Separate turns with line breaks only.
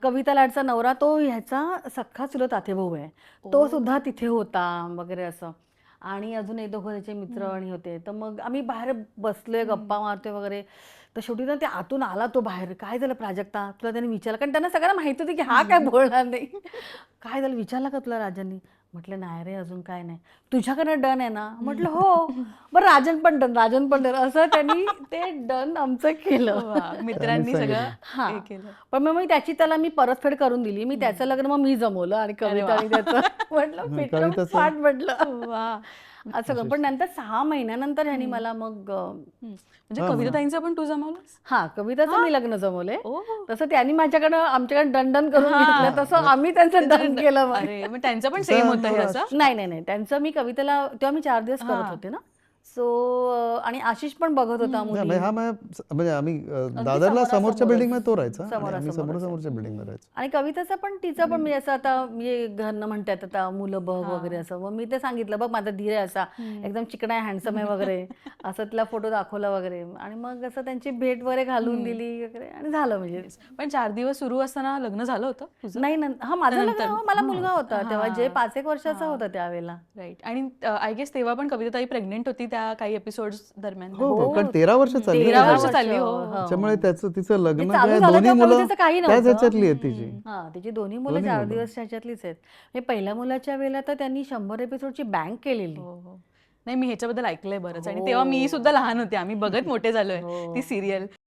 कविता लाडचा नवरा तो ह्याचा सख्खा चुलत आतेभाऊ आहे. तो सुद्धा तिथे होता वगैरे असं. आणि अजून एक दोघं त्याचे मित्र आणि होते. तर मग आम्ही बाहेर बसलोय, गप्पा मारतोय वगैरे. तर शेवटी ना ते आतून आला तो बाहेर. "काय झालं प्राजक्ता?" तुला त्याने विचारलं. कारण त्यांना सगळ्यांना माहिती होती की हा काय बोलणार नाही. "काय झालं विचारलं का तुला राजांनी?" म्हटलं, "नाही रे अजून काय नाही." "तुझ्याकडनं डन आहे ना?" म्हटलं, "हो." "बरं राजन पण डन, राजन पण डन." असं त्यांनी ते डन आमचं केलं.
मित्रांनी सगळं
हां.
हे केलं.
पण मग मी त्याची त्याला मी परतफेड करून दिली. मी त्याचं लग्न मग मी जमवलं आणि
अरे
कविता
वा.
आणि त्याचं म्हटलं फिटून
कविताचं
फाट म्हटलं.
वा.
असं करून. पण नंतर 6 महिन्यानंतर ह्यानी मला मग
म्हणजे
हां,
कविताताईंचं पण तू जमवलंस?
हां, कविताचं मी लग्न जमवलंय.
ओ.
तसं त्यांनी माझ्याकडं आमच्याकडे दंडन करून
हां.
घेतलं, तसं आम्ही त्यांचं दंड केलं मग.
अरे मग त्यांचं पण
तिचा
सेम होतं हे
नवरा
असं?
नाही. त्यांचं मी कवितेला तेव्हा मी 4 दिवस करत
हां.
होते ना. सो आणि आशिष पण बघत होता
नाही,
मुली.
म्हणजे हा म्हणजे आम्ही दादरला
समोरासमोरच.
समोरच्या बिल्डिंगमध्ये तो राहायचा आणि आम्ही
समोरासमोरच.
समोरच्या बिल्डिंगमध्ये राहायचो.
आणि कविताचं पण तिचं पण मी असं आता म्हणजे घरनं म्हणतात आता मुलं बघ वगैरे असं. मग मी ते सांगितलं बघ माझा धीर आहे असा एकदम चिकना आहे, हँडसम आहे वगैरे असं तिला फोटो दाखवला वगैरे. आणि मग असं त्यांची भेट वगैरे घालून दिली वगैरे आणि झालं म्हणजे.
पण 4 दिवस सुरू असताना लग्न झालं होतं तुझं?
नाही हा माझं लग्न
नंतर.
मला मुलगा होता तेव्हा जे
हां.
5 एक वर्षाचा होता त्यावेळेला.
राईट. आणि आय गेस तेव्हा पण कविताताई प्रेग्नेंट होती त्या काही एपिसोड्स दरम्यान.
हो, कारण 13 वर्ष चालली
13
ना.
वर्ष चालली, हो.
त्याच्यामुळे तिचं लग्न
चालू
काय
झालं
दोन्ही
तेव्हा
मुलं
कवितेचं काही
त्याच
नव्हतं.
ह्याच्यातली आहेत तिची.
हां, तिची दोन्ही मुलं
दोन्ही
4
मुलं.
दिवस ह्याच्यातलीच आहेत. हे पहिल्या मुलाच्या वेळेला तर त्यांनी 100 एपिसोडची बँक केलेली.
हो. नाही मी ह्याच्याबद्दल ऐकलंय बरंच आणि तेव्हा मी सुद्धा लहान होते. आम्ही बघत मोठे झालोय ती
हो.
सिरियल.